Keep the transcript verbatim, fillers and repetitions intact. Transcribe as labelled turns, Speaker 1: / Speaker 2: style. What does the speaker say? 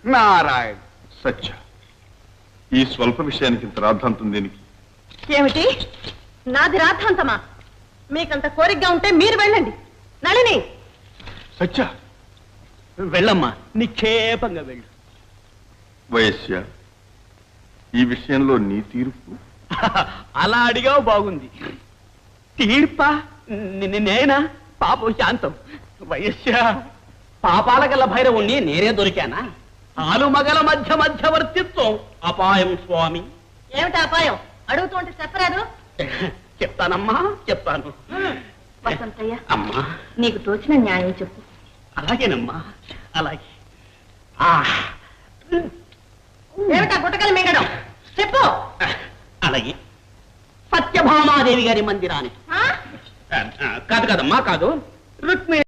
Speaker 1: నారాయణ.
Speaker 2: సత్య, ఈ స్వల్ప విషయానికి ఇంత రాద్ధాంతం దేనికి?
Speaker 3: ఏమిటి నాది రాద్ధాంతమా? మీకంత కోరికగా ఉంటే మీరు వెళ్ళండి. నళిని,
Speaker 2: సత్య,
Speaker 1: వెళ్ళమ్మా, నిక్షేపంగా వెళ్ళు.
Speaker 2: వయస్య, ఈ విషయంలో నీ తీర్పు?
Speaker 1: అలా అడిగావు, బాగుంది. తీర్పా? ని- నేనా? పాపం శాంతం. వయస్య, పాపాల గల భైరవుణ్ణి నేనే దొరికానా? ఆలు మగల మధ్య మధ్యవర్తిత్వం అపాయం స్వామి.
Speaker 3: ఏమిటి అపాయం? అడుగుతుంటే చెప్పరాదు.
Speaker 1: చెప్తానమ్మా, చెప్తాను.
Speaker 3: వసంతయ్య,
Speaker 1: అమ్మా,
Speaker 3: నీకు తోచిన న్యాయం చెప్పు.
Speaker 1: అలాగేనమ్మా, అలాగే. ఆ,
Speaker 3: ఏమిటా గుట్టకలు మింగడం? చెప్పు.
Speaker 1: అలాగే. సత్యభామాదేవి గారి మందిరానికి.
Speaker 3: ఆ?
Speaker 1: కాదు కాదమ్మా, కాదు. రుక్మి